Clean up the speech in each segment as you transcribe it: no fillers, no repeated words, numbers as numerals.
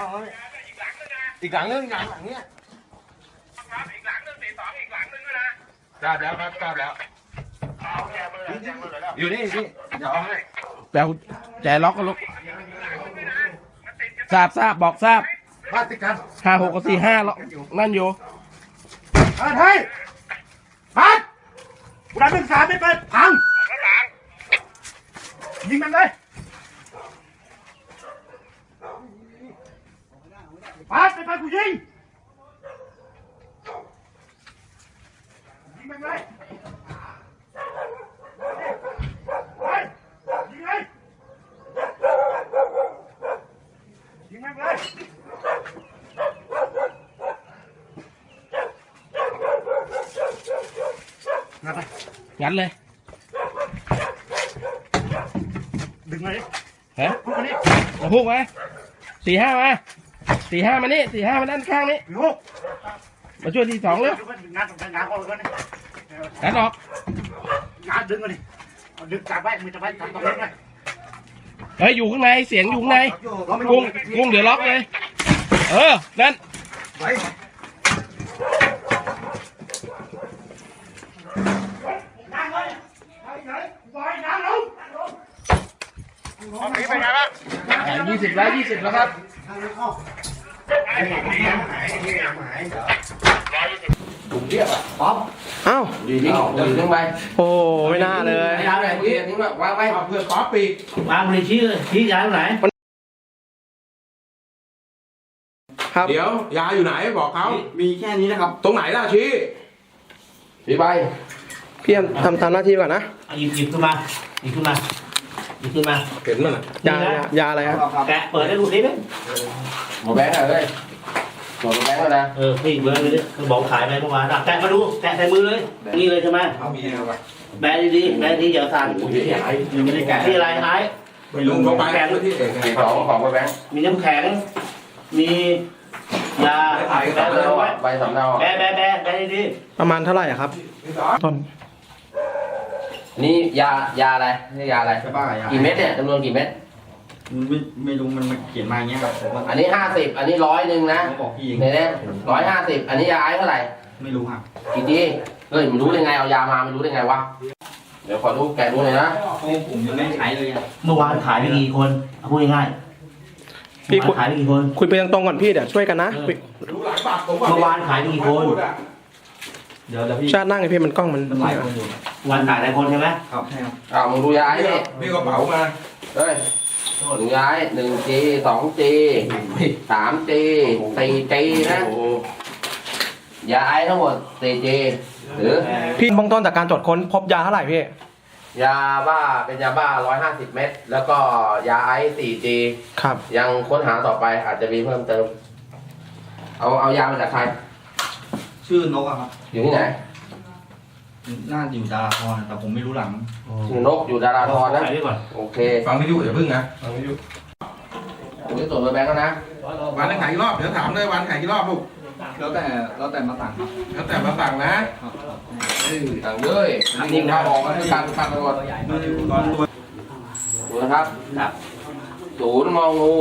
แล้วเนี่ยอีกหลังนึงหลังเนี้ยครับอีกหลังนึง42อีกหลังนึงนะทราบแล้วครับทราบแล้วอยู่นี่พี่เดี๋ยวเอาให้แปลแจล็อกก็ลุกทราบบอกทราบบ้านติดกัน 56กับ45แล้วนั่นอยู่เฮ้ยบ้านกูได้เป็น3ไม่เป็นพังยิงมันเลยบ้านไม่เป็นกูยิงมันเลยยิงเลยยิงมันเลยงัดเลยดึงเลยฮะพวกนี้มาพุกมา45มา45มานี่45มาด้านข้างนี้ลูกมาช่วยที่2เร็วงานออกเลยงัดออกงานดึงมาดิดึงจับไว้มือจับไว้ทำตรงนี้ไว้เฮ้ยอยู่ข้างในเสียงอยู่ข้างในกุ้งเดี๋ยวล็อกเลยนั่นไว้นั่งเลยปล่อยน้ำลงตอนนี้เป็นไงบ้าง 20แล้วครับอ้าวดีทิ้งไปโอ้ไม่น่าเลยยาอะไรพี่ทิ้งแบบวางไว้เพื่อป๊อปปีกวางบริชี้ยาตรงไหนครับเดี๋ยวยาอยู่ไหนบอกเขามีแค่นี้นะครับตรงไหนล่ะชี้พี่ใบพี่ทำตามหน้าที่ก่อนนะหยิบขึ้นมาหยิบขึ้นมาเห็นมันอ่ะยาอะไรครับแกะเปิดได้ดูสิไหมหมอแบงค์เลยหมอแบงค์เลยนะพี่เบิร์ดเลยดิคือบอกขายไปเมื่อวานแกะมาดูแกะใส่มือเลยนี่เลยใช่ไหมเอามีอะไรแบะดีๆแบะดีอย่าสั่นยังไม่ได้แกะที่อะไรหายไม่ลุงเขาไปที่เอกของแบงค์มีน้ำแข็งมียาแบะเลยไว้ใบสำเนาแบะดีประมาณเท่าไหร่ครับต้นนี่ยาอะไรนี่ยาอะไรกี่เม็ดเนี่ยจำนวนกี่เม็ดไม่รู้มันเขียนมาอย่างเงี้ยครับผมว่าอันนี้50อันนี้100นะบอกพี่เองเนี่ย150อันนี้ยาไอซ์เท่าไหร่ไม่รู้ครับกี่ทีเฮ้ยมันรู้ได้ไงเอายามามันรู้ได้ไงวะเดี๋ยวขอดูแกะดูหน่อยนะผมยังไม่ใช้เลยอ่ะๆเมื่อวานขายไปกี่คนพูดง่ายๆพี่ขายไปกี่คนคุยไปตรงๆก่อนพี่เดี๋ยวช่วยกันนะรู้หลายบาทผมเมื่อวานขายไปกี่คนเดี๋ยวพี่ชาตินั่งไอพี่มันกล้องมันหลายคนอยู่วันขายหลายคนใช่ไหมครับใช่ครับมึงดูยาไอซ์ดิพี่กระเป๋ามาเฮ้ยหนึ่งยาไอซ์1G 2G 3G 4G นะยาไอซ์ทั้งหมด 4G หรือพี่เบื้องต้นจากการตรวจค้นพบยาเท่าไหร่พี่ยาบ้าเป็นยาบ้า150เม็ดแล้วก็ยาไอซ์ 4G ครับยังค้นหาต่อไปอาจจะมีเพิ่มเติมเอายามาจากใครชื่อนกอะครับอยู่ที่ไหนน่าอยู่ดาราธรแต่ผมไม่รู้หลังชื่อนกอยู่ดาราธรนะขายไปก่อนโอเคฟังวิทยุอย่าพึ่งนะฟังวิทยุผมจะตรวจเบอร์แบงค์แล้วนะวันนึงขายกี่รอบเดี๋ยวถามเลยวันขายกี่รอบลูกแล้วแต่มาสั่งครับแล้วแต่มาสั่งนะสั่งเลยนิ่งๆครับออกมาคือการฟังตำรวจมาอยู่ตอนตัวดูนะครับ0 งองู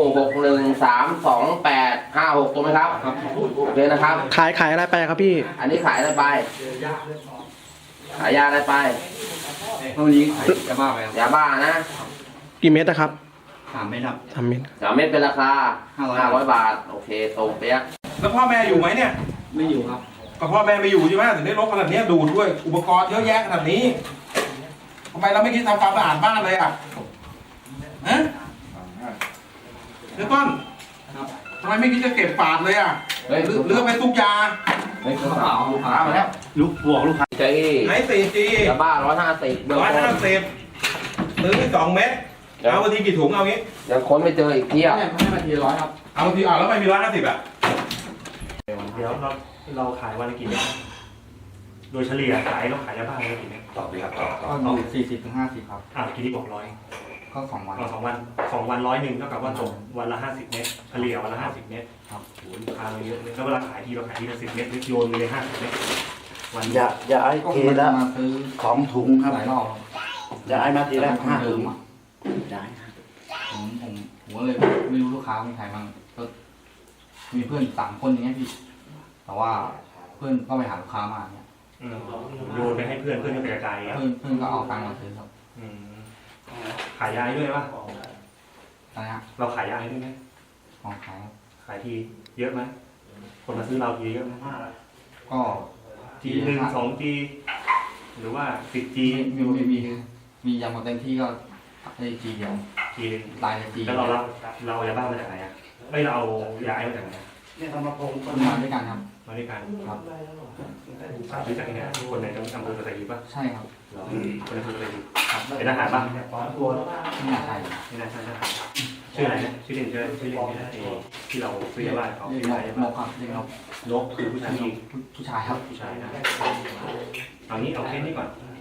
6132856ถูกไหมครับโอเคนะครับขายอะไรไปครับพี่อันนี้ขายอะไรไปขายยาอะไรไปวันนี้ขายจะบ้าไปครับยาบ้านะกี่เม็ดนะครับ 3 เม็ดครับ 3 เม็ด3 เม็ดเป็นราคา500 บาทโอเคตรงเป๊ะแล้วพ่อแม่อยู่ไหมเนี่ยไม่อยู่ครับก็พ่อแม่ไม่อยู่ใช่ไหมถึงได้รกขนาดนี้ดูด้วยอุปกรณ์เยอะแยะขนาดนี้ทำไมเราไม่คิดทำความสะอาดบ้านเลยอ่ะฮะเดี๋ยวต้นทำไมไม่คิดจะเก็บฝาดเลยอ่ะเลือกไปทุกยาเฮ้ยกระเป๋าลูกค้ามาแล้วลูกบวกลูกค้าใจไหน4G ยาบ้า150เบื้องต้น 150ซื้อ2 เม็ดเอาวันทีกี่ถุงเอางี้ยังค้นไม่เจออีกเที่ยวให้มาที100ครับเอาทีแล้วไม่มี150อ่ะเดี๋ยวเราขายวันละกี่เม็ดโดยเฉลี่ยขายเราขายยาบ้าวันละกี่เม็ดตอบดีครับตอบก็อยู่40 ถึง 50 ครับเมื่อกี้ที่บอก100 ก็2 วัน 2 วัน100เท่ากับว่าตกวันละ50เม็ดเฉลี่ยวันละ50เม็ดครับโหลูกค้าเราเยอะเลยแล้วเวลาขายทีเราขายทีละ10เม็ดโยนเลย50เม็ดวันอย่าไอ้ก็ทีละมาซื้อ 2 ถุงครับหลายรอบอย่าไอ้มาทีละ5 ถุงผมก็เลยไม่รู้ลูกค้ามีใครบ้างก็มีเพื่อน3 คนอย่างเงี้ยพี่แต่ว่าเพื่อนก็ไปหาลูกค้ามาเนี่ยโยนไปให้เพื่อนเพื่อนก็ไปกระจายอ่ะเพื่อนก็เอาตังค์มาซื้อครับขายยาให้ด้วยปะอะไรฮะเราขายยาให้ด้วยไหมของขายครับขายทีเยอะไหมคนมาซื้อเราทีเยอะไหมก็ทีหนึ่ง2 ทีหรือว่า10 G มียามาเต็มที่ก็ได้จีเดียวทีหนึ่งลายจีแล้วเราเอายาบ้ามาจากไหนอ่ะไม่เราเอายาไอมาจากไหนมาด้วยกันครับมาด้วยกันครับรู้จักเนี่ยคนในอำเภอสัตหีบป่ะใช่ครับคนในอำเภอสัตหีบครับเป็นทหารป่ะไม่น่าใช่ไม่น่าใช่ทหารชื่ออะไรนะชื่อเล่นที่เราซื้อยาบ้าเขาเรียกชื่ออะไรนกครับเรียกนกนกคือผู้ชายผู้ชายครับผู้ชายนะเอางี้เอาแค่นี้ก่อน